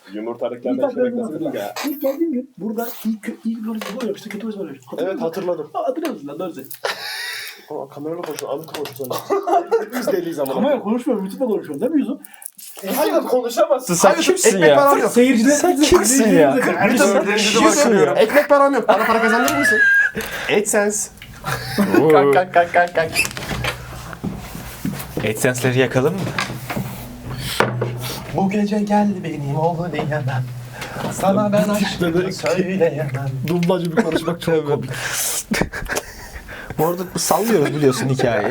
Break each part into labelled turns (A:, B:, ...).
A: Yumurtalıklardan şey beklesin ya.
B: İlk geldiğim gün burada ilk böyle gol yapmıştı. Kötü gol yapmıştı.
A: Evet hatırladım.
B: Hatırlıyor musun lan? Doğru söyle.
A: Ama kamerayla konuşuyor. Anlık konuşuyor. Biz deliyiz ama.
B: Ama konuşmuyorum. YouTube'da konuşuyorum. Değil mi Yusuf?
A: Hayır konuşamazsın.
C: Sen kimsin
A: ekmek
C: ya?
A: param yok.
B: Seyirciler...
C: Sen kimsin ya?
A: Kimsin ya? Ekmek param yok. Bana para kazandırır mısın? AdSense. Kalk.
C: AdSense'leri yakalım mı?
A: Bu gece gel benim oğlu diyemem. Sana ben aşkımı söyleyemem.
B: Dublajı bir konuşmak çok komik.
C: Bu arada sallıyoruz biliyorsun hikayeyi.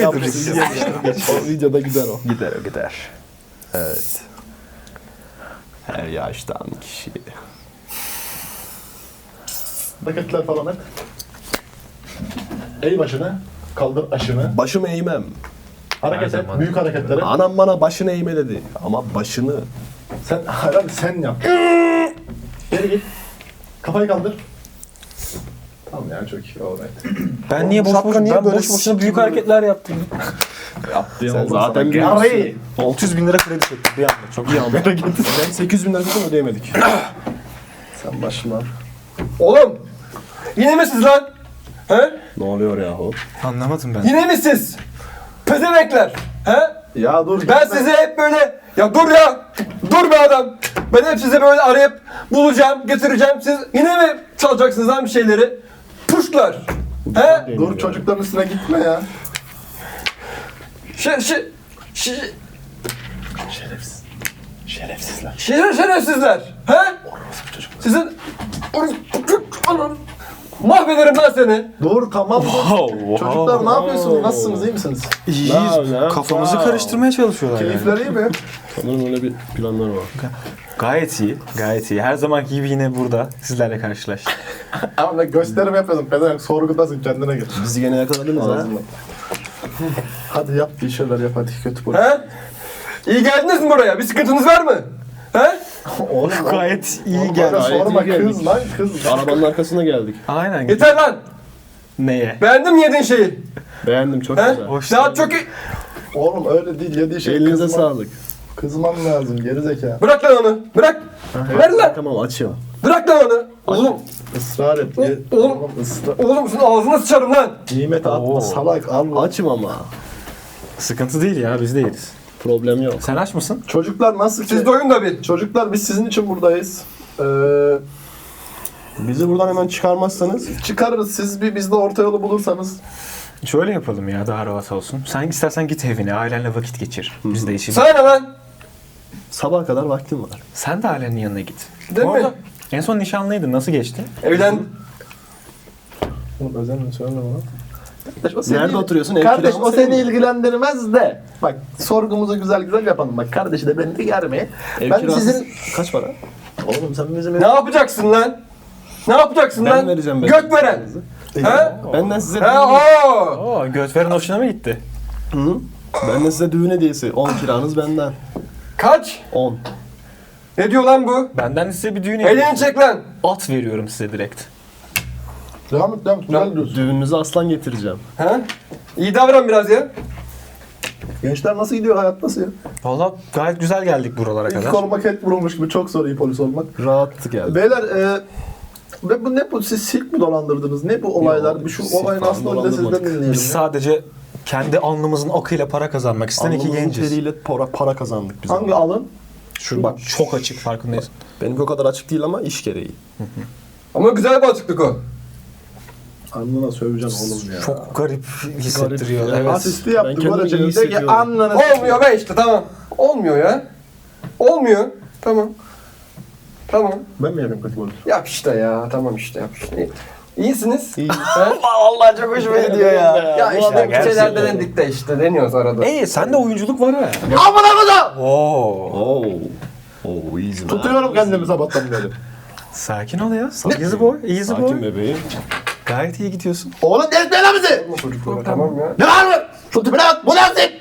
B: O videoda gider o.
C: Gider. Evet. Her yaştan kişi.
D: Hareketler falan hep. Eğ başını, kaldır aşını.
B: Başımı eğmem.
D: Hareket et, büyük hareketleri.
B: Anam bana başını eğme dedi. Ama başını...
D: Sen yap. Geri git. Kafayı kaldır. Tamam ya çok iyi. Alright.
C: Ben niye boş boşuna büyük hareketler yaptım?
B: Sen zaten bir...
D: Yarayı.
C: 600 bin lira kredi çektim bir anda. Çok iyi anda.
B: Ben 800 bin lira zaten ödeyemedik. Sen başına...
E: Oğlum! Yine mi siz lan? He?
B: Ne oluyor yahu?
C: Anlamadım ben.
E: Yine mi siz? Pezemekler! He?
D: Ya dur.
E: Ben sizi hep böyle... Ya dur ya! Dur be adam! Ben hep sizi böyle arayıp bulacağım, getireceğim. Siz yine mi çalacaksınız lan bir şeyleri? Puşlar! He?
D: Dur çocukların üstüne gitme ya.
E: Şerefsizler. Şerefsizler! He? Sizin... Mahvederim lan seni!
D: Dur tamam. Çocuklar ne yapıyorsunuz? Nasılsınız? İyi misiniz?
C: İyiyiz.
B: Ne?
C: Kafamızı karıştırmaya çalışıyorlar yani.
D: Keyifler iyi mi?
B: Sanırım öyle bir planları var.
C: Gayet iyi. Gayet iyi. Her zamanki gibi yine burada sizlerle karşılaştık.
D: Ama ben gösterim yapıyorsun. Pezevenk sorgudasın kendine gel.
B: Bizi gene yakaladınız ha.
D: Ağzından. Hadi yap bir şeyler yap hadi kötü polis.
E: He? İyi geldiniz mi buraya? Bir sıkıntınız var mı? He?
D: Oğlum
C: Gayet iyi
D: oğlum,
C: geldi.
D: böyle sorma
B: iyi geldik.
D: kız lan kız.
B: Arabanın arkasına geldik.
C: Aynen.
E: Yeter lan!
C: Neye?
E: Beğendin mi yediğin şeyi?
B: Beğendim çok
E: He?
B: güzel.
C: Hoş
E: Daha
C: geldin.
E: çok iyi...
D: Oğlum öyle değil yediği şey
B: Elinize
D: kızman-
B: sağlık.
D: Kızman lazım gerizekalı.
E: Bırak lan onu! Bırak! Ver lan!
B: Tamam açıyor.
E: Bırak lan onu! Oğlum!
D: Israr et.
E: Oğlum.
D: Israr.
E: Oğlum senin ağzına sıçarım lan!
D: Nimet atma
C: Oo.
D: salak al.
B: Açım ama.
C: Sıkıntı değil ya biz de yeriz.
B: Problem yok.
C: Sen aç mısın?
D: Çocuklar nasıl
E: Siz
D: ki?
E: doyun da bir.
D: Çocuklar biz sizin için buradayız.
B: Bizi buradan hemen çıkarmazsanız
D: Çıkarırız siz bir bizde orta yolu bulursanız.
C: Şöyle yapalım ya daha rahat olsun. Sen istersen git evine ailenle vakit geçir. Biz de işimiz.
E: Sana ne lan?
B: sabaha kadar vaktim var.
C: Sen de ailenin yanına git.
E: Değil
C: Bu
E: mi?
C: arada en son nişanlıydın. Nasıl geçti?
E: Evlen...
D: Oğlum özenle söyleme bana.
B: Nerede oturuyorsun? Ev
D: Kardeş
B: kiramı
D: o
B: senin
D: seni
B: mi?
D: ilgilendirmez de. Bak sorgumuzu güzel yapalım. Bak kardeşi de beni de germe.
B: Ev
D: Ben
B: kirası
D: sizin...
B: kaç para?
D: Oğlum sen bizim
E: Ne yapacaksın lan? Ne yapacaksın
B: Ben
E: lan?
B: vereceğim ben.
E: Göt veren! He?
B: Benden size
E: He ooo!
C: Oo Götver'in hoşuna mı gitti?
B: benden size düğün hediyesi. 10 kiranız benden.
E: Kaç?
B: 10.
E: Ne diyor lan bu?
C: Benden size bir düğün
E: Elini çek lan!
C: At veriyorum size direkt.
D: Devam et. Güzel diyorsun.
B: Düğününüze aslan getireceğim.
E: He? İyi davran biraz ya.
D: Gençler nasıl gidiyor hayat nasıl ya?
C: Valla gayet güzel geldik buralara
D: İlk
C: kadar.
D: olmak et vurulmuş gibi çok zor iyi polis olmak.
B: Rahat geldi.
D: Beyler ne bu siz silk mi dolandırdınız? Ne bu olaylar?
B: Yok,
D: Bir şu
B: silk
D: olayın
B: falan
D: aslında önünde sizden
B: dolandırmadık.
D: dinleyelim.
C: Biz sadece kendi alnımızın akıyla para kazanmak isteyen iki
B: Alnımızın
C: genciz.
B: teriyle para kazandık biz.
D: Hangi alın?
C: Şu bak çok açık farkındayız.
B: Benimki o kadar açık değil ama iş gereği.
E: Ama güzel bir açıklık o.
D: Alnına söveceksin oğlum ya.
C: Çok garip hissettiriyor.
B: Garip.
C: Evet.
D: Asisti
B: Ben
D: yaptık.
B: kendimi
D: Böylece
B: iyi
D: de ki
B: hissediyorum.
D: alnına
E: Olmuyor be işte tamam. Olmuyor ya. Olmuyor. Tamam. Tamam.
D: Ben mi yapayım kötü polis?
E: Yap işte ya. Tamam işte yap işte. İyisiniz.
B: İyi.
E: He?
C: Vallahi çok hoşuma gidiyor ya.
E: Ya işte bir şeyler
C: gerçekten.
E: denedik de işte deniyoruz arada.
C: Sende oyunculuk var ha.
D: Amına kodum!
C: Oo.
B: Oo. Oo easy man.
D: Tutuyorum kendimi sabahtan beri.
C: Sakin ol ya. Easy boy. Easy
B: Sakin
C: boy.
B: bebeğim.
C: Gayet iyi gidiyorsun.
D: Oğlum delirtme lan bizi!
E: Tamam ya.
D: Ne var mı? Şu tipine bak! Bu ne tip?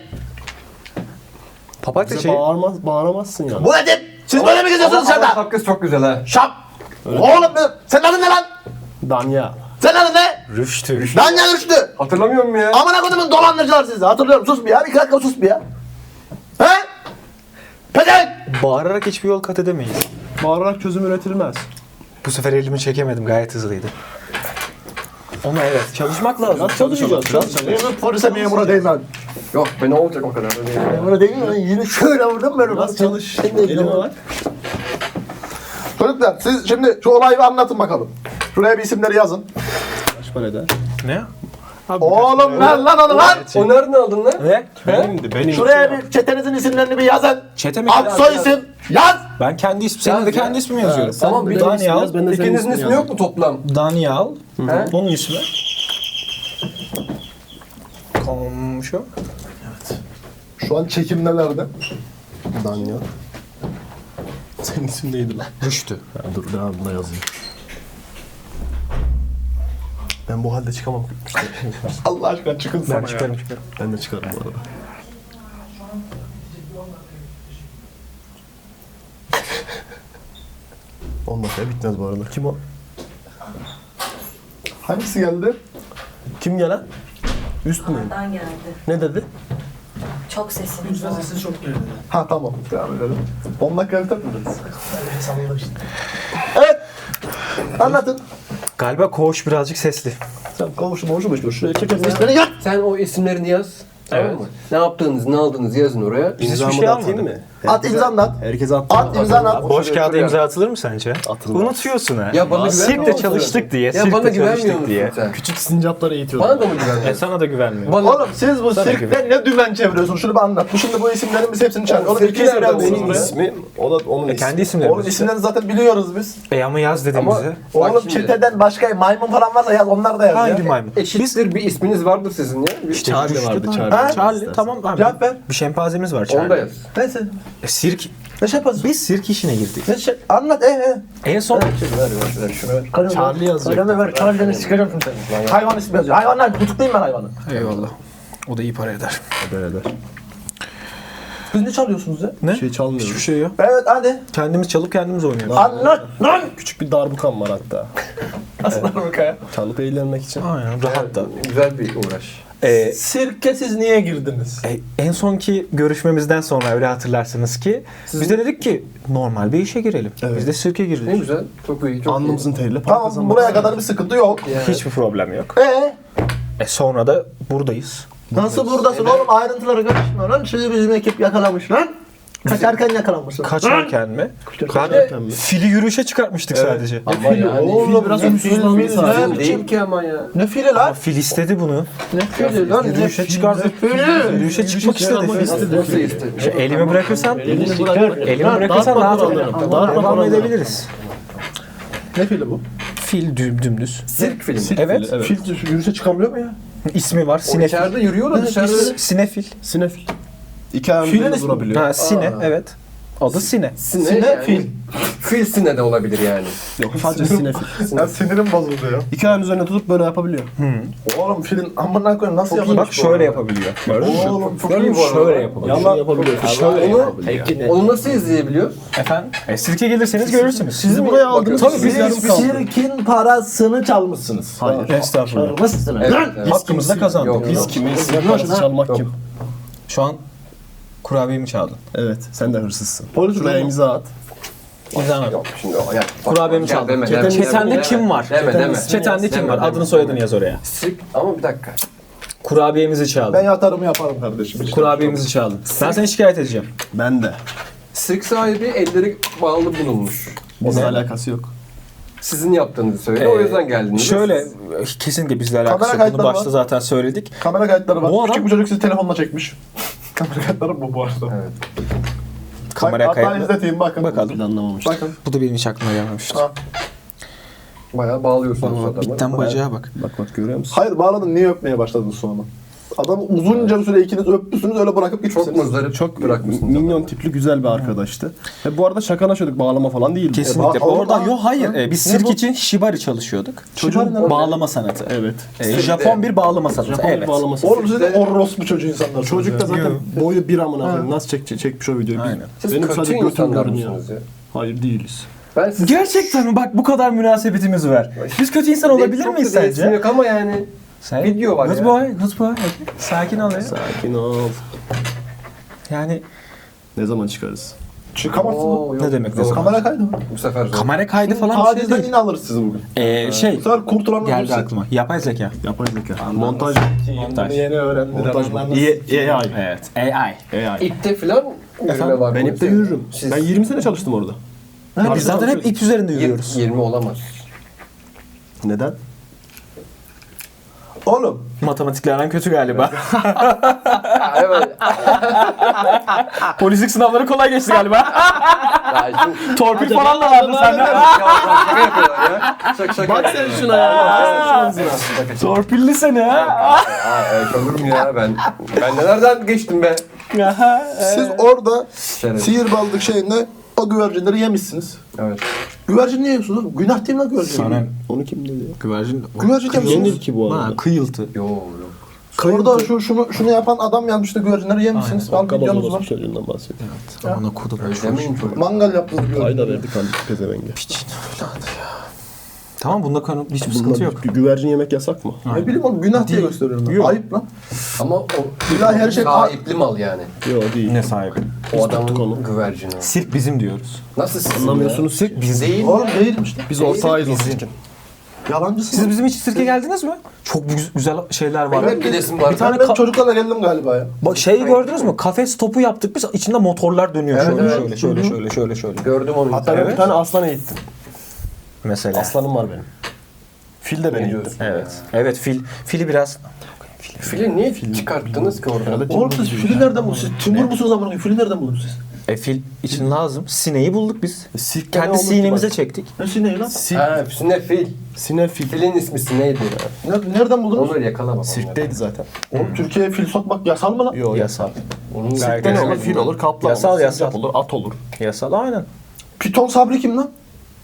C: Papatya
B: Bize
C: şey.
B: bağıramazsın ya.
D: Bu ne tip? Siz böyle mi geziyorsunuz
E: Ama
D: dışarıda?
E: şapkası çok güzel ha.
D: Şap! Oğlum senin adın ne lan?
B: Danya.
D: Senin adın ne?
C: Rüştü.
D: Danya Rüştü.
E: Hatırlamıyor musun ya?
D: Amına kodumun dolandırıcılar sizi. Hatırlıyorum. Sus bir ya. Bir dakika sus bir ya. He? Pezevenk!
C: Bağırarak hiçbir yol kat edemeyiz.
B: Bağırarak çözüm üretilmez.
C: Bu sefer elimi çekemedim. Gayet hızlıydı. Ama evet. Çalışmak lazım.
B: Nasıl çalışacağız?
D: Memur polise memura değmem.
E: Yok be ne olacak o kadar.
D: Memura değmem. Yine şöyle vurdum ben.
B: Nasıl çalış? Elime bak.
D: Çocuklar siz şimdi şu olayı bir anlatın bakalım. Şuraya bir isimleri yazın.
B: Kaç para eder?
C: Ne?
D: Oğlum ver lan onu lan.
E: O nereden aldın lan?
C: Ne?
B: Benim.
D: Şuraya bir çetenizin isimlerini bir yazın.
C: Çete mi?
D: Ad soy isim yaz.
C: Ben kendi ismim. Senin de kendi ismimi yazıyorum.
E: Tamam bir
C: Daniel.
B: Ben de senin
E: İkinizin
B: ismini
E: ismi yok mu toplam?
C: Daniel.
E: He?
C: Onun ismi. Komşu.
D: Şu an çekim nelerde?
B: Daniel. Senin isim neydi lan?
C: Rüştü.
B: Ha, dur devamında yazayım. Ben bu halde çıkamam.
D: Allah aşkına çıkın sana
C: Ben çıkarım.
B: Ben de çıkarım bu arada. Olmasa bitmez bu arada. Kim o?
D: Hangisi geldi?
B: Kim gelen? Üst mü?
F: Oradan geldi.
B: Ne dedi?
F: Çok sesiniz var.
D: Ha tamam. Devam edelim. 10 dakika biter mi dediniz? Evet. Anlatın.
C: Galiba koğuş birazcık sesli.
D: Sen kavuşma şuraya çekelim. İsmini yaz.
E: Sen o isimlerini yaz. Tamam mı? Ne yaptığınızı, ne aldığınızı yazın oraya.
C: Biz hiçbir
B: İmzamı
C: şey
B: da atayım
C: almadık.
B: mı?
D: At imzanı at.
B: Herkese at.
D: At imzanı at.
C: Boş
E: Şuraya
C: kağıda
E: otur
C: imza atılır mı sence?
B: Atılmaz.
C: Unutuyorsun ha.
E: Ya bana güvenmiyor
C: Sirkte
E: musun?
C: çalıştık diye.
E: Ya
C: Sirkte
E: bana güvenmiyor
C: çalıştık
E: musun
C: diye.
E: sen?
B: Küçük sincapları eğitiyorum.
E: Bana da mı güvenmiyorsun?
C: Sana da güvenmiyorum.
E: Bana...
D: Oğlum siz bu sirkte ne dümen çeviriyorsun? Şunu bir anlat. Bu şimdi bu isimlerin biz hepsini çağır. Oğlum
E: sirki
D: iki isim
E: nereden
D: yazmışsınız
E: benim
D: buraya.
B: İsmi, o da onun ismi.
C: Kendi isimlerimiz.
D: Oğlum isimleri zaten biliyoruz biz.
C: Ama yaz dedim
E: Ama-
C: bize.
E: Bak
D: Oğlum
E: şimdi.
D: çeteden başka maymun falan varsa yaz. Onlar da yaz
C: Hangi
D: ya.
C: maymun?
E: Eşittir bir isminiz vardır sizin ya. Bir
C: İşte
B: Charlie
C: Rüştü
B: vardı,
C: tamam.
B: Charlie.
C: Charlie tamam abi.
D: Cevap ver.
C: Bir şempazemiz var
E: Onu da
C: Charlie.
E: yaz.
D: Neyse.
C: Sirk.
D: Ne şey yapasın?
C: Biz sirk işine girdik.
D: Ne şey? Anlat
C: En son
E: Ver şunu ver.
B: Charlie yazacak.
D: Kaleme ver. Charlie'den sikeceğim şimdi seni. Hayvan ismi yazıyor. Hayvanlar tutuklayayım ben hayvanı.
C: eyvallah. O da iyi para eder.
B: Eder.
D: Siz ne çalıyorsunuz ya?
C: Ne?
B: Bir şey çalmıyoruz.
C: Hiçbir şey yok.
D: Evet hadi.
C: Kendimiz çalıp kendimiz oynuyoruz.
D: Anlat lan.
B: Küçük bir darbukam var hatta.
D: Nasıl Amerika'ya?
B: Çalıp eğlenmek için.
C: Aynen rahat da.
E: Güzel bir uğraş.
D: Sirke siz niye girdiniz?
C: En sonki görüşmemizden sonra öyle hatırlarsınız ki biz de dedik ki normal bir işe girelim.
B: Evet.
C: Biz de sirke
E: Ne
C: girdik.
E: güzel. Çok iyi. Çok
B: Alnımızın teriyle para
D: Tamam
B: kazanmak.
D: buraya kadar bir sıkıntı yok.
C: Hiçbir problem yok. Sonra da buradayız.
D: Nasıl buradasın oğlum? Ayrıntılara karışma lan. Sizi bizim ekip yakalamış lan. Kaçarken yakalanmışsın.
C: Kaçarken mi?
B: Kaçarken mi?
C: Fili yürüyüşe çıkartmıştık sadece.
E: Ama yani
D: Oğlum
B: biraz
D: ne
B: umutsuzlandı
D: fil
B: sadece.
D: ne
E: değil
D: biçim?
E: ki ama ya.
D: Ne fili lan?
C: Fil istedi bunu.
D: Ne fili lan? Ne
C: Yürüyüşe çıkardık. Yürüyüşe çıkmak istedi.
E: Nasıl istedi?
C: Elimi bırakırsan,
B: Elini bırak.
C: elimi bırakırsan rahat
B: alırım.
C: devam edebiliriz.
D: Ne fili bu?
C: Fil dümdüz.
E: Sirk filmi.
C: Evet.
B: Evet.
D: Fil yürüyüşe çıkabiliyor mu ya?
C: İsmi var.
E: O
C: Sinefil.
E: içeride yürüyor da dışarıda.
C: Sinefil.
B: Sinefil. İki ayağın
D: Filin
B: üzerinde
D: ismi.
B: durabiliyor.
C: Ha, sine. Evet. Adı Sine.
E: Sine,
D: Sine,
E: yani.
D: fil.
E: Fil sine de olabilir yani.
B: Yok sadece sinefil.
D: Ya sinirim bozuldu ya.
B: İki ayağın üzerine tutup böyle yapabiliyor.
D: Oğlum filin amına koyayım nasıl yapacak?
C: Bak şöyle yapabiliyor.
D: Oğlum çok iyi bu arada.
C: Şöyle yapabiliyor.
B: Yalan yapabiliyor.
E: Onu nasıl izleyebiliyor?
C: Efendim? Sirke gelirseniz görürsünüz.
B: Sizi buraya aldınız.
C: Tabii
B: biz
C: biz
B: yarım kaldı.
D: Sirkin parasını çalmışsınız.
B: Hayır.
C: Estağfurullah.
D: Çalmışsınız.
E: Evet,
D: Lan!
E: evet.
C: Hakkımızda kazandık.
E: Yok,
B: Biz
E: yok.
B: kimiz? Başını çalmak kim?
C: Şu an kurabiyemi çaldın.
B: Evet. Sen de hırsızsın.
D: Polis
B: Şuraya
D: adamı.
B: imza at.
C: İmzanı.
E: Yok şimdi o ya.
C: Kurabiyemi
E: Gel
C: çaldın.
E: deme, deme,
C: Çetende
E: deme,
C: kim var?
E: Deme.
C: Çetende kim var?
E: Deme,
C: Adını
E: deme.
C: soyadını yaz oraya.
E: Sirk ama bir dakika.
C: Kurabiyemizi
D: Ben
C: çaldın.
D: yatarımı yaparım kardeşim.
C: Kurabiyemizi çaldın. Ben seni şikayet edeceğim.
B: Ben de.
E: Sirk sahibi elleri bağlı bulunmuş.
B: Bizle alakası yok.
E: Sizin yaptığınızı söyledi. O yüzden geldiniz.
C: Şöyle kesinlikle bizle
D: Kamera
C: alakası yok. Bunu
D: kayıtları
C: başta
D: var.
C: zaten söyledik.
D: Kamera kayıtları var.
C: Bu adam-
D: Küçük bir çocuk sizi telefonla çekmiş. Kamera kayıtları bu arada.
E: Evet.
C: Kamera
D: Hatta
C: kayıtlı.
D: izleteyim bakın.
C: Bakalım.
B: Planlamamış.
D: Bakın.
C: Bu da benim hiç aklıma gelmemişti.
D: Ha.
E: Bayağı bağlıyorsunuz
C: Bak,
E: adamı.
C: bitten bacağa bak.
B: Bak görüyor musun?
D: Hayır bağladın niye öpmeye başladın sonra? Adamı uzunca bir süre ikiniz öptüsünüz öyle bırakıp
E: Çok
D: gitmişsiniz.
E: muzdarip
B: Çok
E: bırakmışsınız.
B: minyon tipli güzel bir arkadaştı. Ve bu arada şakalaşıyorduk, bağlama falan değil.
C: Kesinlikle.
D: Aa,
C: Orada
D: aa,
C: yok hayır. Biz
D: Ne
C: sirk
D: bu?
C: için shibari çalışıyorduk.
D: Shibari ne?
C: Bağlama sanatı.
B: Evet.
C: Japon bir bağlama sanatı.
B: Japon
C: Evet.
B: bağlaması.
D: Oğlum siz de orospu çocuğu insanlar.
B: Çocuk da zaten
C: Yok.
B: boyu bir amına koyayım. Nasıl çekmiş o videoyu?
C: Aynen.
E: Siz
B: Benim
E: kötü
B: sadece
E: insanlar
B: götüm görünüyor.
E: mısınız ya?
B: Hayır değiliz.
E: Ben siz...
C: Gerçekten mi? Bak bu kadar münasebetimiz var. Biz kötü insan olabilir
E: Çok
C: miyiz
E: da değilsin
C: sence?
E: Yok ama yani.
C: Sen,
E: Video var
C: good
E: ya.
C: boy, good boy. Sakin ol ya.
B: Sakin ol.
C: Yani
B: Ne zaman çıkarız? Çıkamazsın.
C: Ne demek
E: Zor.
B: Kamera kaydı mı?
E: Bu sefer zor.
C: Kamera kaydı falan bir şey
B: Tacizden
C: değil.
B: yine alırız sizi bugün.
C: Şey
B: Bu sefer kurtulanlar
C: geldi
B: olursa.
C: aklıma. Yapay zeka.
B: Yapay zeka. Montaj.
C: Montaj.
B: Yeni öğrendiler. Montaj. AI.
C: Evet. AI.
B: AI.
E: İpte filan yürüme var.
B: Ben
E: mı?
B: ipte yürürüm.
E: Siz
B: Ben 20 sene çalıştım orada.
C: Biz zaten hep ip üzerinde yürüyoruz.
E: 20 olamaz.
B: Neden? Oğlum.
C: Matematiklerden kötü galiba.
E: Evet.
C: Polislik sınavları kolay geçti galiba.
E: Ya şimdi
C: Torpil falan da vardı sende.
E: şaka yapıyorlar ya. Şaka.
B: Bak sen şuna ya.
C: Torpilli seni ha.
E: Evet olur mu ya ben nelerden geçtim be.
G: Siz orada
E: Şeref.
G: sihirbazlık şeyinde o güvercinleri yemişsiniz.
E: Evet.
G: Güvercin niye yiyorsunuz? Günah değil mi lan güvercin?
C: Sana
B: Onu kim dedi ya?
C: güvercin.
G: Güvercin yemişsiniz.
B: Yenir ki bu arada.
C: Ha, kıyıltı.
E: Yok.
G: Orada şunu yapan adam yazmış da güvercinleri yemişsiniz. Al videonuz
B: Kabaloz
G: var.
B: çocuğundan bahsediyor.
C: Ona kodum.
E: Demeyin çocuk.
G: Mangal yaptınız
B: Ayda
G: güvercinleri.
B: verdik halbuki pezevenge.
C: Tamam bunda hiçbir sıkıntı yok.
B: Güvercin yemek yasak mı?
G: Ne bileyim oğlum günah diye gösteriyorum ben.
B: Yok.
G: Ayıp lan.
E: Ama o
G: İlahi her şey-
E: sahipli mal yani.
B: Yok değil.
C: Ne sahibi?
E: O adamın
B: tuttuk onu.
E: güvercini.
C: Sirk bizim diyoruz.
E: Nasıl sizin
B: Anlamıyorsunuz.
E: ya? Biz değil.
G: Oğlum değilmiş lan.
B: Biz ortağıyız o için.
G: Yalancısın.
C: Siz bizim hiç sirke geldiniz mi? Çok güzel şeyler var.
E: Benim hep gidesim var.
C: Bir tane
G: Ben çocuklarla geldim galiba ya.
C: Bak şeyi gördünüz mü? Kafes topu yaptık biz. İçinde motorlar dönüyor.
G: Evet,
C: şöyle,
G: evet.
C: şöyle.
E: Gördüm onu.
B: Hatta ben bir tane aslan eğittim.
C: Mesela.
B: Aslanım var benim. Fil de ben eğittim.
C: Evet. Evet fili biraz
E: Fili niye çıkarttınız ki oradan?
G: Oğlum siz fili nereden buldunuz? Siz tümür musunuz amına koyayım? Fili nereden buldunuz siz?
C: fil için lazım. Sineği bulduk biz.
B: Sirkte ne
C: Kendi
B: olur ki
C: sinemize
B: bak?
C: çektik.
G: Ne ne lan?
E: Ha, ne fil?
B: Sinefil.
E: Filin ismi neydi?
G: Nereden buldunuz?
E: Onları yakalamak.
B: Sirkteydi zaten.
G: Oğlum Türkiye'ye fil sokmak yasal mı lan?
B: Yok
C: Yasal.
E: Onun
B: Sirkte ne olur? Fil olur, kaplan
C: Yasal,
B: olur,
C: yasal.
B: sincap olur, at olur.
C: Yasal aynen.
G: Piton Sabri kim lan?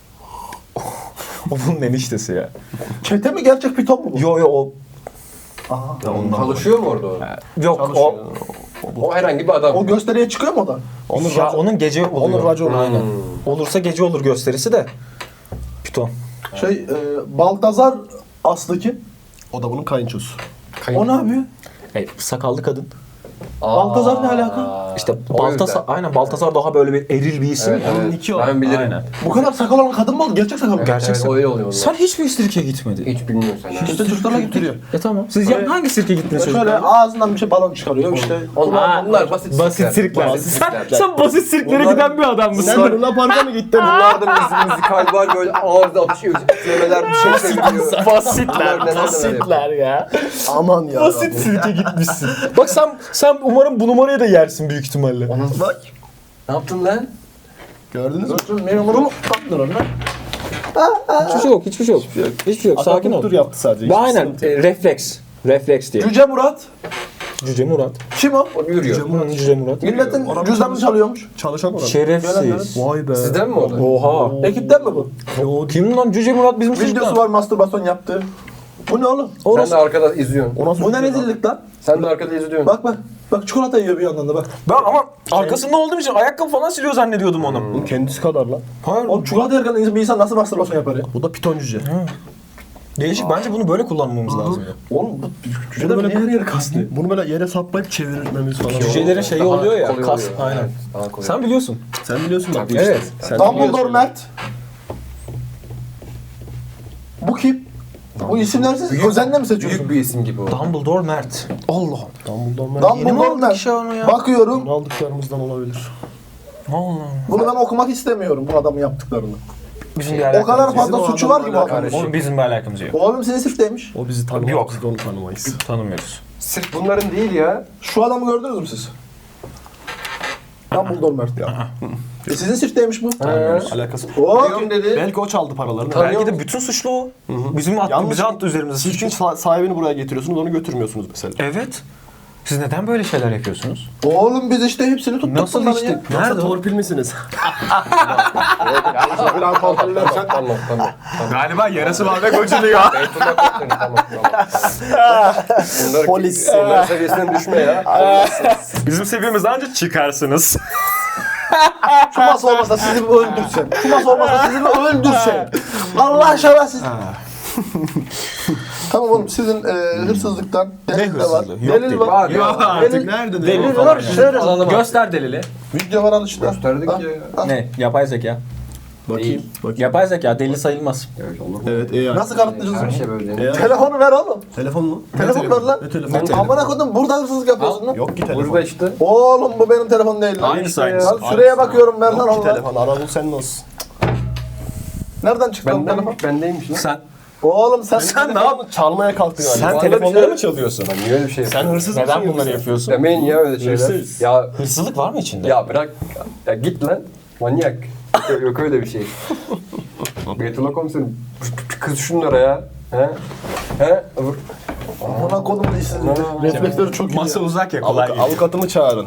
C: O bunun eniştesi ya.
G: Çete mi gerçek piton mu bu?
C: Yo o.
E: Çalışıyor mu orada o?
C: Yok
E: O herhangi bir adam.
G: O gösteriye çıkıyor mu o da?
C: onun gece oluyor.
B: Onun raconu.
C: Aynen. Olursa gece olur gösterisi de. Piton.
G: Baltazar aslı kim?
B: O da bunun kayınçosu.
G: O ne yapıyor?
C: Sakallı kadın.
G: Baltazar ne alaka?
C: İşte
E: O
C: Baltazar,
E: yüzden.
C: aynen Baltazar daha böyle bir eril bir isim.
E: Evet, evet.
B: iki o.
E: Ben bilirim.
C: Aynen.
G: Bu kadar sakal olan kadın mı oldu? Gerçek sakal mı?
C: Gerçek
E: Evet, öyle oluyor onlar.
C: Sen hiç mi sirke gitmedin?
E: Hiç bilmiyorsun sen.
G: İşte çocuklarla gittiriyor.
C: Tamam. Siz hangi sirke gittiniz
G: Şöyle
C: çocuklar?
G: ağzından bir şey balon çıkarıyor işte.
E: Bunlar basit
C: Basit sirkler.
E: Basit sirkler.
C: Sen basit sirklere
E: Bunlar-
C: giden bir adam mısın?
B: Sen de Luna Park'a mı gittin?
E: Bunlarda müzikal var böyle ağızda atışıyor, üflemeler bir şey söylüyor.
C: Basitler ya.
B: Aman ya.
C: Basit sirke gitmişsin. Bak sen umarım bu numarayı da yersin büyük ihtimalle.
B: Bak.
E: Ne yaptın lan?
B: Gördünüz mü?
G: Memurumu taktın onlar.
C: Hiçbir şey yok, hiçbir şey yok. Hiçbir şey yok. Sakin ol.
B: Akupunktur yaptı sadece.
C: Aynen.
B: Sıkıntı yok.
C: Refleks. Refleks diye.
G: Cüce Murat.
C: Cüce Murat.
G: Kim o?
E: O yürüyor.
C: Cüce Murat.
G: Milletin cüzdanını çalıyormuş.
B: Çalışan orada.
C: Şerefsiz.
B: Vay be.
E: Sizden mi o da?
C: Oha.
G: Ekipten mi bu?
C: Kim lan Cüce Murat bizim
G: Videosu
C: çocuklar?
G: var mastürbasyon yaptığı. Bu ne oğlum?
E: Sen de arkada izliyorsun.
G: Bu ne rezillik lan?
E: Sen de arkada izliyorsun.
G: Bak bak. Bak çikolata yiyor bir yandan da bak.
C: Ben ama arkasında olduğum için ayakkabı falan siliyor zannediyordum onu.
B: Bunun kendisi kadar lan.
C: Hayır.
G: O çikolata yerken bir insan nasıl mastürbasyon yapar ya?
B: Bu da piton cüce.
C: Değişik. Bence bunu böyle kullanmamız lazım ya.
G: Oğlum bu cüce de
B: Bunu
G: niye her yere kastı?
B: Bunu böyle yere saplayıp çevirmemiz falan.
C: Cücelerin şeyi
E: Daha
C: oluyor ya.
E: kolay
C: Kas.
E: oluyor.
C: Aynen.
E: Evet, daha kolay.
C: Sen biliyorsun.
B: Sen biliyorsun bak.
C: Evet.
B: Sen
G: Dumbledore Mert. Bu kim? Bu isimlersiz özenle mi seçiyorsun?
E: Büyük bir isim gibi o.
C: Dumbledore Mert. Allah.
B: Dumbledore
C: Yeni mi
G: Dumbledore
C: aldık
G: Mert.
C: işe onu ya?
G: Bakıyorum.
B: Bunu aldıklarımızdan olabilir.
C: Allah.
G: Bunu ben okumak istemiyorum bu adamın yaptıklarını.
C: Bizim bir
G: O
C: alakamız
G: kadar
C: yok.
G: fazla
B: Bizim o
G: suçu var ki bu
B: adamlarla
G: adamın.
C: Oğlum bizim bir alakamız yok.
G: Oğlum seni sırftaymış.
B: O bizi tanımaz.
C: Yok.
B: Biz de onu tanımayız.
C: Tanımıyoruz.
E: Sırf bunların değil ya.
G: Şu adamı gördünüz mü siz? Dumbledore Mert ya. Sizin sırftaymış bu.
B: Alakası.
G: O
E: Diyorum dedi.
B: Belki o çaldı paralarını.
C: Belki de bütün suçlu o. Bizim attı,
B: Yalnız
C: bize attı üzerimize
B: Siz
C: suçu.
B: çünkü sahibini buraya getiriyorsunuz, onu götürmüyorsunuz mesela.
C: Evet. Siz neden böyle şeyler yapıyorsunuz?
G: Oğlum biz işte hepsini tuttuk
C: Nasıl
G: bunları
C: işte?
G: ya.
C: Nerede o?
B: torpil misiniz?
G: Biraz kontrollersen.
E: Tamam tamam.
C: Galiba yarası var ve gocunuyor.
E: Beytullah Koçları tamam tamam. Bunlar
B: Polis.
E: Onların seviyesinden düşme ya.
C: Bizim seviyemizden ancak çıkarsınız.
G: Şu masa olmasa sizi bir öldürsen. Şu masa olmasa sizi bir öldürsen. Allah aşkına siz. Tamam oğlum sizin hırsızlıktan delil de var.
C: hırsızlığı? Yok
G: Delil
C: delil.
G: var.
E: Yok
B: Artık nerede?
G: Delil var. Şöyle
C: Göster delili.
G: video var al işte.
E: Gösterdik
G: Al,
E: ya.
G: al.
C: Ne? Yapay zeka.
B: Bakayım.
C: Yapay zeka delil sayılmaz.
E: Evet olur mu?
B: Evet AI.
G: Nasıl kanıtlayacağız
E: Her
G: bunu?
E: şey böyle.
G: Telefonu ver oğlum.
B: Telefon mu?
G: Telefon ver lan.
B: Ne telefon?
G: Amına koydum burada hırsızlık yapıyorsun lan.
B: Yok ki telefon.
E: Burada işte.
G: Oğlum bu benim telefon değil lan.
C: Aynısı aynısı.
G: Lan süreye bakıyorum ver lan
B: Yok ki
G: Allah.
B: telefon. Ara bul senin olsun.
G: Nereden çıktı o telefon?
E: Bendeymiş lan.
C: Sen
G: Oğlum sen
B: Ne yaptın? Çalmaya kalktın galiba.
C: Sen
E: Bana
C: telefonları
E: bir
C: mı çalıyorsun?
E: Lan niye öyle bir şey
B: Sen
E: yapıyorsun?
B: hırsız
C: Neden
B: mısın
C: bunları
B: yoksa?
C: yapıyorsun?
E: Demeyin ya öyle şeyler.
B: Hırsız.
E: Ya
C: Hırsızlık var mı içinde?
E: ya bırak. Ya git lan. Manyak. Yok öyle bir şey. Beytullah komiserim. Kız şunlara ya. He? He? Vur.
G: amına koydum da işsizlik. Refleksleri çok iyi.
C: Masa uzak ya kolay değil.
B: Avukatımı çağırın.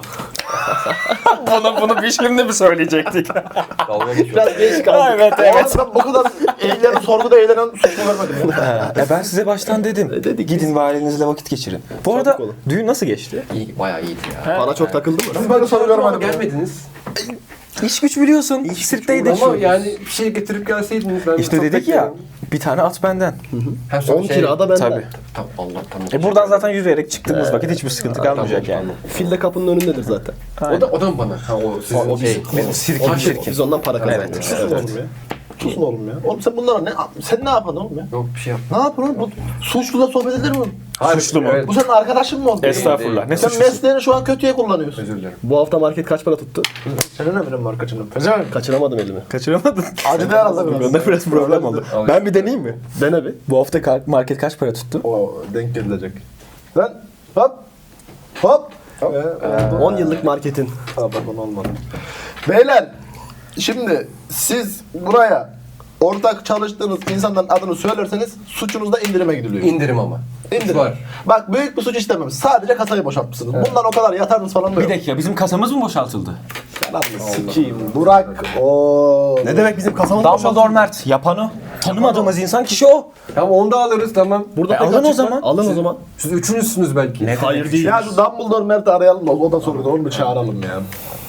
C: Bunu bir şimdi mi söyleyecektik?
E: Dalga geçiyor.
G: Biraz geç kaldık.
C: Evet, evet.
G: Oğlum ben bu kadar sorguda eğlenen suçlu görmedim.
C: Ben size baştan dedim. Gidin ve ailenizle vakit geçirin. Bu arada
B: olun.
C: düğün nasıl geçti?
E: İyi, bayağı iyiydi ya.
B: Para çok takıldı mı?
G: Ben böyle soru görmedim.
E: Gelmediniz.
C: İş güç biliyorsun. Sirkteydik.
E: Ama yani bir şey getirip gelseydiniz ben
C: İşte
E: çok
C: dedik ya.
E: beklerim.
C: Bir tane at benden.
E: Hem sonra
B: 10 kira da benden.
C: Tabii.
E: Tamam Allah tamam.
C: Buradan zaten yürüyerek çıktığımız vakit hiçbir sıkıntı kalmayacak
E: tamam,
C: yani.
B: Fil de kapının önündedir zaten.
E: O da mı bana? Ha o sizin
B: O
E: şey.
C: Benim sirkin
B: Biz ondan para kazandık.
G: Susun oğlum ya. Susun oğlum ya. Oğlum sen bunlara ne... Sen ne yapıyorsun oğlum ya?
E: Yok bir şey yap.
G: Ne yapıyorsun oğlum? Bu suçluyla sohbet edilir mi?
C: Suçlu mu?
E: Evet.
G: Bu senin arkadaşın mı oldu?
C: Estağfurullah. Ne
G: Sen
C: suçlusu?
G: mesleğini şu an kötüye kullanıyorsun.
E: Özür dilerim.
B: Bu hafta market kaç para tuttu?
G: Senin ne bileyim markacının?
B: Kaçıramadım elimi.
C: Kaçıramadın.
G: Acıdı herhalde biraz.
C: Bende biraz problem oldu. Ben bir deneyeyim mi?
B: Dene bir.
C: Bu hafta market kaç para tuttu?
G: O denk gelilecek. Lan hop hop.
B: 10 yıllık marketin.
G: Pardon olmadı. Beyler şimdi siz buraya ortak çalıştığınız insanların adını söylerseniz suçunuzda indirime gidiliyor.
E: İndirim ama.
G: İndirim.
E: Var.
G: Bak büyük bir suç işlememiş. Sadece kasayı boşaltmışsınız. Bundan o kadar yatarınız falan da
C: Bir
G: yok.
C: dakika bizim kasamız mı boşaltıldı?
G: Sikiyim. Burak. Oo.
B: Ne demek bizim kasamız
C: Dumbledore Mert. Yapan o. Tanımadığımız insan kişi o.
E: Tamam onu da alırız tamam.
B: Burada pek
C: alın o
B: açık var.
C: zaman.
B: Alın o zaman.
E: Siz üçünüzsünüz belki.
B: Hayır değil.
G: Ya şu Dumbledore Mert'i arayalım da o da soruyordu. Onu bir çağıralım ya.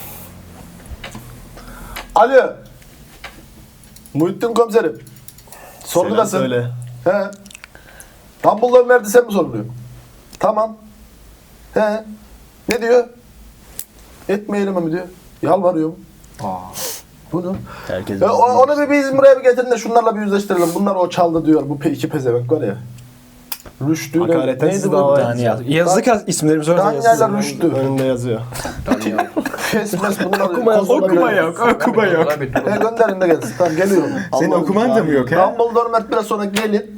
G: Alo. Muhittin komiserim. Sorgudasın.
B: Söyle.
G: He. Dumbledore Mert'i sen mi soruluyor? Tamam. He. Ne diyor? Etmeyelim mi diyor. Yalvarıyorum. Bunu.
B: Herkes
G: Ya onu bir bizim buraya bir getirin de şunlarla bir yüzleştirelim. Bunlar o çaldı diyor. Bu iki pezevenk var ya. Rüştü.
B: Hakaretten
G: Neydi
B: siz
G: bu?
B: dava
C: Yazdık isimlerimizi orada
G: Danya'yla Rüştü.
B: Önünde yazıyor.
G: Kesmez bunlar.
B: Okuma yok.
C: Okuma yok.
G: Gönderin de gelsin. Tamam geliyorum.
C: Senin okuman da mı yok he?
G: Dumbledore Mert biraz sonra gelin.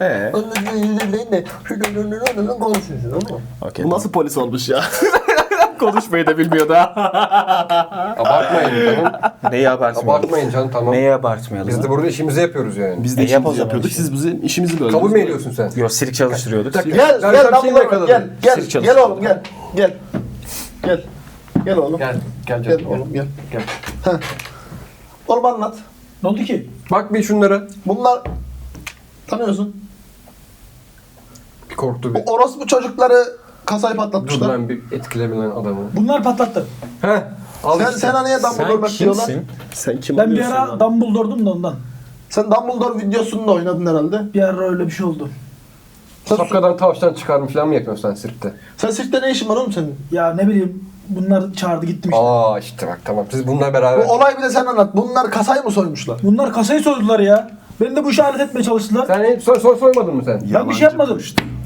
G: Konuşuyorsun ama.
C: Okey.
B: Bu nasıl polis olmuş ya?
C: Konuşmayı da bilmiyordu ha.
E: Abartmayın tamam.
C: Neyi abartmayalım?
E: Abartmayın canım tamam.
C: Neyi abartmayalım?
E: Biz de burada işimizi yapıyoruz yani.
B: Biz de
C: yap o
B: işimizi
C: zaman
B: yapıyorduk.
C: işte.
B: Siz bizim işimizi böldünüz.
E: Kabul mü ediyorsun sen?
C: Yok sirk çalıştırıyorduk.
G: Gel
E: Ben
G: gel
E: sana bir şey mi
G: Dumbledore
E: yakaladım?
G: gel gel
C: Sirk
G: gel
C: çalışıyor.
G: oğlum gel gel gel gel oğlum
E: Gel
G: gel
E: canım.
G: oğlum gel.
E: Gel.
G: Heh. Oğlum anlat.
H: Ne oldu ki?
E: Bak bir şunlara.
G: Bunlar tanıyorsun.
E: Bir korktu bir.
G: Bu orospu çocukları kasayı
E: Dur
G: patlatmışlar.
E: ben bir etkilemeyen adamı.
H: Bunlar patlattı.
E: Heh. Al
G: Sen
E: işte.
G: sen niye Dumbledore
C: Sen
G: Mert diyorlar?
C: kimsin?
B: Sen kim
H: Ben bir
B: oluyorsun
H: ara
B: lan?
H: Dumbledore'dum da ondan.
G: Sen Dumbledore videosunda oynadın herhalde.
H: Bir ara öyle bir şey oldu.
E: Şapkadan tavşan çıkarmış falan mı yapıyorsun sen sirkte?
G: Sen sirkte ne işin var oğlum senin?
H: Ya ne bileyim bunlar çağırdı gittim işte.
E: Aa işte bak tamam. Siz bununla
G: Bu
E: beraber.
G: olay bir de sen anlat. Bunlar kasayı mı soymuşlar?
H: Bunlar kasayı soydular ya. Beni de bu işe alet etmeye çalıştılar.
E: Sen hiç soymadın mı sen?
H: Ben bir şey yapmadım.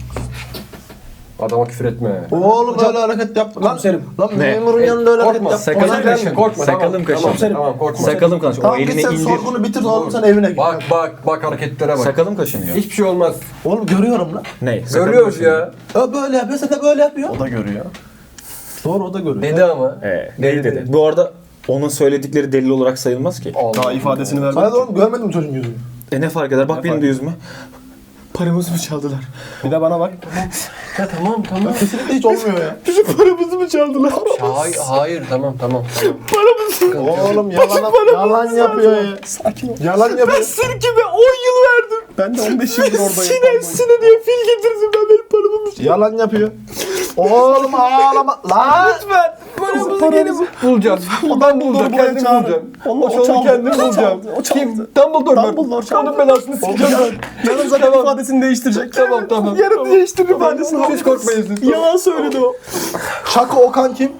E: Adama küfür etme.
G: Oğlum öyle hareket yap. Lan,
H: Komiserim.
G: lan
C: Ne?
G: memurun yanında öyle hareket
E: Korkma.
G: yap.
C: Sakalım
E: Korkma.
C: kaşın.
E: Korkma.
C: Sakalım kaşın.
E: Tamam, tamam korkma.
C: Sakalım kaşın. O
G: Tamam git
C: elini
G: sen
C: indir.
G: sorgunu bitir oğlum sen evine git.
E: Bak hareketlere bak.
C: Sakalım kaşınıyor.
E: Hiçbir şey olmaz.
G: Oğlum görüyorum lan.
C: Ne? Sakalım
E: Görüyoruz
C: kaşınıyor.
E: ya.
G: O böyle yapıyor sen de böyle yapıyor.
B: O da görüyor. Doğru o da görüyor.
E: Dedi ama.
C: Deli dedi. Bu arada onun söyledikleri delil olarak sayılmaz ki.
B: Daha ifadesini vermedi.
G: Sana da oğlum görmedim çocuğun yüzünü.
C: Ne fark eder? Bak benim de yüzüme. Paramızı mı çaldılar?
B: Bir de bana bak.
E: Ya tamam.
G: Kesinlikle hiç olmuyor ya.
C: Bizim paramızı mı çaldılar?
E: Hayır tamam.
G: Oğlum yalan yapıyor ya.
B: Sakin ol.
G: Yalan yapıyor.
C: Sirkime 10 yıl verdim.
B: Ben de 15 yıldır oradayım.
C: Sine diye fil getirdim ben benim paramı mı
G: Yalan yapıyor. Oğlum ağlama. Lan.
C: Lütfen.
E: Paramızı gelip bulacağız. Adam bulacak, kendim bulacağım. O çaldı kendim bulacağım. Kim? Dumbledore çaldı. Onun belasını sikeceğim ben.
B: Yarın zaten ifadesini değiştirecek.
E: Tamam.
B: Yarın değiştirir ifadesini.
E: Siz korkmayın siz.
B: Yalan söyledi o.
G: Çakı Okan kim?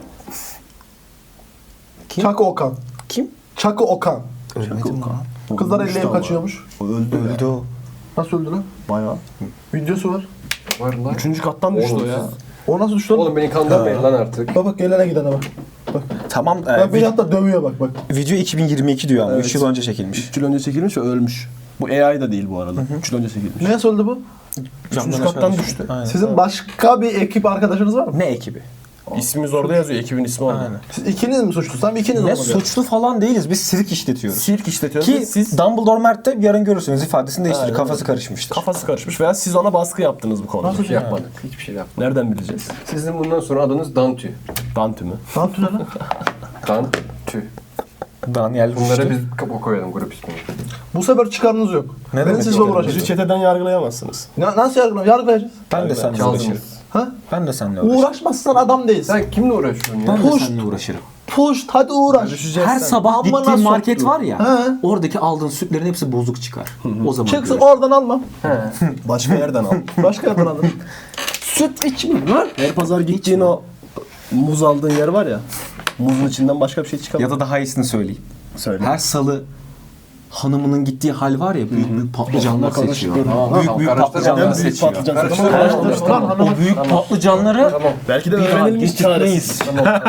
G: Çakı Okan.
C: Kim?
G: Çakı Okan.
C: Ölmedim lan.
G: Kızlar elleyip kaçıyormuş.
C: Öldü o.
G: Nasıl öldü lan?
B: Bayağı.
G: Videosu var.
E: Var lan.
B: 3. kattan düştü o ya.
G: O nasıl düştü lan?
E: Oğlum beni kandırmayın lan artık.
G: Bak gelene gidene bak.
C: Tamam.
G: Bak beni hatta dövüyor bak.
C: Video 2022 diyor ama 3 yıl önce çekilmiş.
B: 3 yıl önce çekilmiş ve ölmüş. Bu AI da değil bu arada. 3 yıl önce çekilmiş.
G: Neye söyledi bu?
B: 3. kattan düştü.
C: Aynen.
G: Sizin başka bir ekip arkadaşınız var mı?
C: Ne ekibi?
B: İsmimiz orada yazıyor. Ekibin ismi orada.
C: Aynen.
G: Siz ikiniz mi suçlusunuz? Tamam ikiniz
C: Ne
G: olmadı.
C: suçlu falan değiliz. Biz sirk işletiyoruz.
B: Sirk işletiyoruz.
C: Ki
B: Siz
C: Dumbledore Mert de yarın görürsünüz ifadesini değiştirir.
B: Aynen.
C: Kafası karışmıştır.
B: kafası karışmış veya siz ona baskı yaptınız bu konuda.
E: Hiçbir şey yapmadık. Hiçbir şey yapmadık.
B: Nereden bileceğiz?
E: Sizin bundan sonra adınız Dantü.
B: Dantü mü?
G: Ne yaptın lan?
E: Dantü.
C: Daniel
E: Bunlara
C: Rüştü.
E: biz kapı koyalım grup ismini.
G: Bu sefer çıkarınız yok.
C: Ne
G: Ben
C: demek
G: sizle
C: çıkarınız?
B: Bizi
G: uğraşacağım.
B: çeteden yargılayamazsınız.
G: Nasıl yargılayacağız?
C: Ben de seninle
E: Çaldınız.
C: uğraşırım.
G: Ha?
C: Ben de seninle uğraşırım.
G: Uğraşmazsan adam değilsin.
E: Sen kimle uğraşıyorsun ya?
C: Ben de
G: Push.
C: seninle uğraşırım.
G: Push hadi uğraş.
C: Her sabah
G: Amına
C: gittiğin market
G: soktu.
C: var ya,
G: He.
C: oradaki aldığın sütlerin hepsi bozuk çıkar. O zaman
G: Çıksın
C: görürsün.
G: oradan almam.
B: Başka yerden al.
G: Başka yerden alırım. Süt içmeyeyim lan.
B: Her pazar gittiğin o muz aldığın yer var ya. Muzun içinden başka bir şey çıkamıyor.
C: Ya da daha iyisini söyleyeyim.
B: Söyle.
C: Her salı hanımının gittiği hal var ya, büyük büyük patlıcanlar seçiyor.
E: Tamam,
C: Büyük patlıcanlar
B: En büyük
C: seçiyor.
B: patlıcan.
C: O büyük patlıcanları
B: Belki de
C: bir hal
B: öğrenilmiş
C: getirtmeyiz.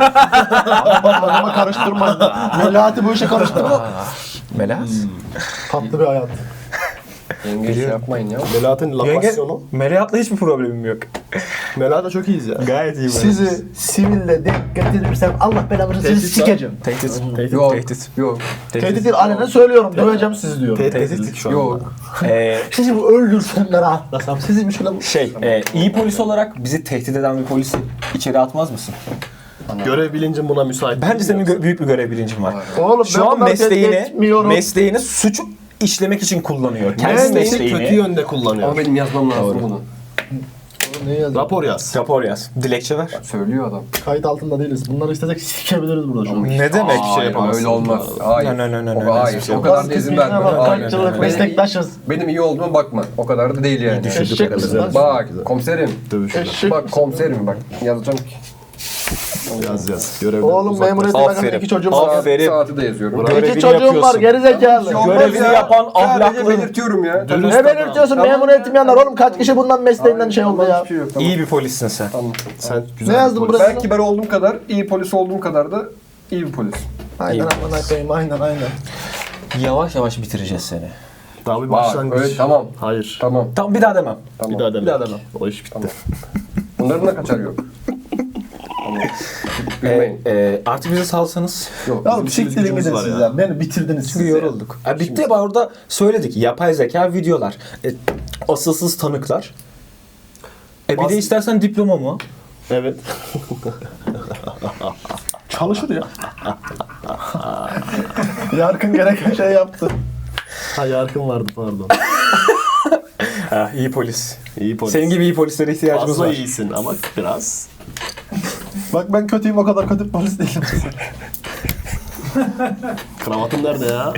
G: Adama karıştırma. Melati bu işe karıştırma.
C: Melas.
G: Tatlı bir hayat.
E: Yenge şey yapmayın ya.
B: Melahat'ın lapasyonu.
C: Melahat'la hiçbir problemim yok.
B: Melahat'la çok iyiyiz ya.
C: Gayet iyi.
G: Sizi siville denk getirirsem Allah belanızı sizi sikeceğim.
C: Tehdit.
E: Yok.
C: Tehdit.
E: Yok.
G: Tehdit değil alenen söylüyorum. Döveceğim sizi diyorum.
C: Tehdit şu an.
E: Yok.
G: Sizi bu öldürsem de rahatlasam. Sizi bir şöyle...
C: İyi polis olarak bizi tehdit eden bir polisi içeri atmaz mısın?
B: Görev bilincin buna müsait.
C: Bence senin büyük bir görev bilincin var.
G: Oğlum
C: Şu an
G: bunları tehdit etmiyorum.
C: mesleğini suç işlemek için kullanıyor. Kendi
B: Mesleğini
C: mesleğini.
B: kötü yönde kullanıyor.
E: Ama benim yazmam lazım bunu.
G: Ne yazayım?
B: Rapor yaz.
C: Rapor yaz. Dilekçe ver.
E: Söylüyor adam.
G: Kayıt altında değiliz. Bunları istesek sikebiliriz burada şu an.
C: Ne demek
E: Hayır,
C: yapamazsın?
E: öyle olmaz. Hayır.
C: No.
E: Hayır. O kadar da izin verme. Hayır.
G: Kaç yıllık meslektaşız.
E: Benim iyi olduğuma bakma. O kadar da değil yani.
G: Eşek misin lan?
E: Bak komiserim.
G: Eşek.
E: Bak komiserim bak. Yazacağım ki.
B: Yaz. Görevden
G: Oğlum memuriyetin
C: Aferin.
G: hakkında 2 çocuğum var.
C: Aferin.
E: Saati de yazıyorum.
C: Görevini
G: 2 çocuğum var
C: yapıyorsun.
G: gerizekalı.
C: Görevini yapan
E: Sadece
C: ahlaklı.
E: belirtiyorum ya.
G: Ne belirtiyorsun? Memuriyetim yanar. Oğlum kaç kişi bundan mesleğinden şey oldu ya.
E: Hiçbir şey yok. Tamam.
C: İyi bir polissin sen.
E: Tamam.
B: Sen güzel
G: Ne yazdın buraya?
E: Ben kibar olduğum kadar, iyi polis olduğum kadar da iyi bir polis.
G: Aynen amına koyayım aynen.
C: Yavaş yavaş bitireceğiz seni.
B: Daha bir
E: Bak
B: başlangıç.
E: öyle tamam.
B: Hayır.
E: Tamam.
C: Tamam, bir daha demem.
E: Tamam.
B: Bir daha deme.
E: Bir daha demem.
B: O iş bitti.
E: Bunların da kaçar yok. Tamam. Gülmeyin.
C: Artık bizi salsanız.
E: Yok.
G: Ya oğlum siktirin
B: gücümüz
G: gidin
B: var
G: siz
B: ya.
G: ya. Beni bitirdiniz siz
C: Çünkü
G: ya.
C: yorulduk. Bitti ya, orada söyledik. Yapay zeka videolar. Asılsız tanıklar. Bir de istersen diploma mı?
B: Evet.
G: Çalışır ya. Yarkın gereken şey yaptı.
B: Ha Yarkın vardı pardon.
C: İyi polis.
B: İyi polis.
C: Senin gibi iyi polislere ihtiyacımız
B: Fazla
C: var.
B: iyisin ama biraz.
G: Bak ben kötüyüm o kadar kötü bir polis değilim.
B: Kravatın nerede ya?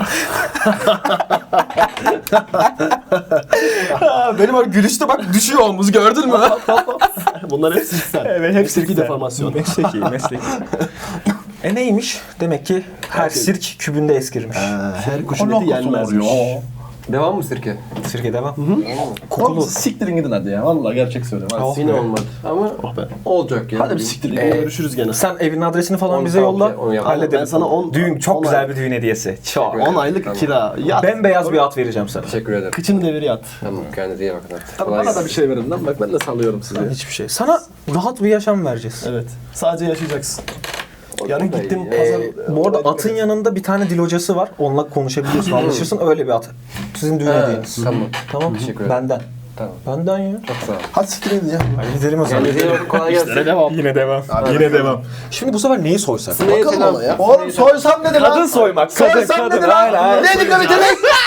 C: Benim o gülüşte bak düşüyor omuz, gördün mü?
B: Bunlar hepsi sen.
C: Evet, hepsi
B: Mesleki deformasyon.
C: Mesleki. Neymiş? Demek ki her sirk kübünde eskirmiş.
B: Her kuşun eti yenmezmiş.
E: Devam mı sirke?
C: Sirke devam.
B: Kokulu. Siktirin gidin hadi ya. Vallahi gerçek söylüyorum. Hadi.
E: Yine olmadı. Ama
B: be.
E: olacak ya.
B: Hadi bir siktirin gidin. Görüşürüz gene.
C: Sen evin adresini falan
E: Onu
C: bize
E: tamam,
C: yolla.
E: onu yapalım.
C: Halledelim.
B: Ben sana 10
C: Düğün, çok güzel bir düğün hediyesi. Çok.
B: 10 aylık
E: Tamam.
B: kira. Yat.
C: Bembeyaz bir at vereceğim sana.
E: Teşekkür ederim.
B: Kıçını devir yat.
E: Tamam kendinize iyi bakın. Hadi.
B: Tabii
E: Kolay
B: bana da
E: gelsin.
B: bir şey verin lan. Bak ben de salıyorum sizi.
C: Hiçbir şey. Sana rahat bir yaşam vereceğiz.
B: Evet. Sadece yaşayacaksın. Yarın
E: da
B: gittim
E: iyi.
B: pazar.
C: Bu arada atın yanında bir tane dil hocası var. Onunla konuşabiliyorsun, anlaşırsın. Öyle bir at. Sizin düğün
E: Ha,
C: hediyeniz.
E: Tamam.
C: Tamam.
E: Teşekkür ederim.
C: Benden.
E: Tamam.
C: Benden ya.
E: Çok sağ ol.
G: Hadi siktirin gidin ya.
C: Hadi gidelim o zaman.
E: Kendinize iyi bakın. Kolay gelsin.
C: Yine devam. Yine devam. Şimdi bu sefer neyi soysak?
E: Neye selam?
G: Oğlum soysam nedir lan?
C: Kadın soymak.
G: Soysam nedir lan? Ne dikkat edin?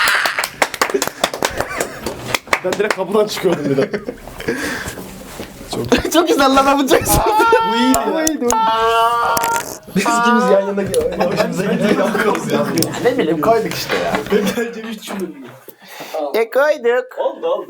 B: Ben direkt kapıdan çıkıyordum bir de.
G: Çok güzel lan yapacaksın.
B: Bu iyiydi ya. Biz ikimiz yan yana hoşumuza gidiyor yapıyoruz ya.
G: Ne bileyim koyduk işte ya.
B: Bence hiç düşünmedim.
G: Koyduk.
B: Oldu oldu.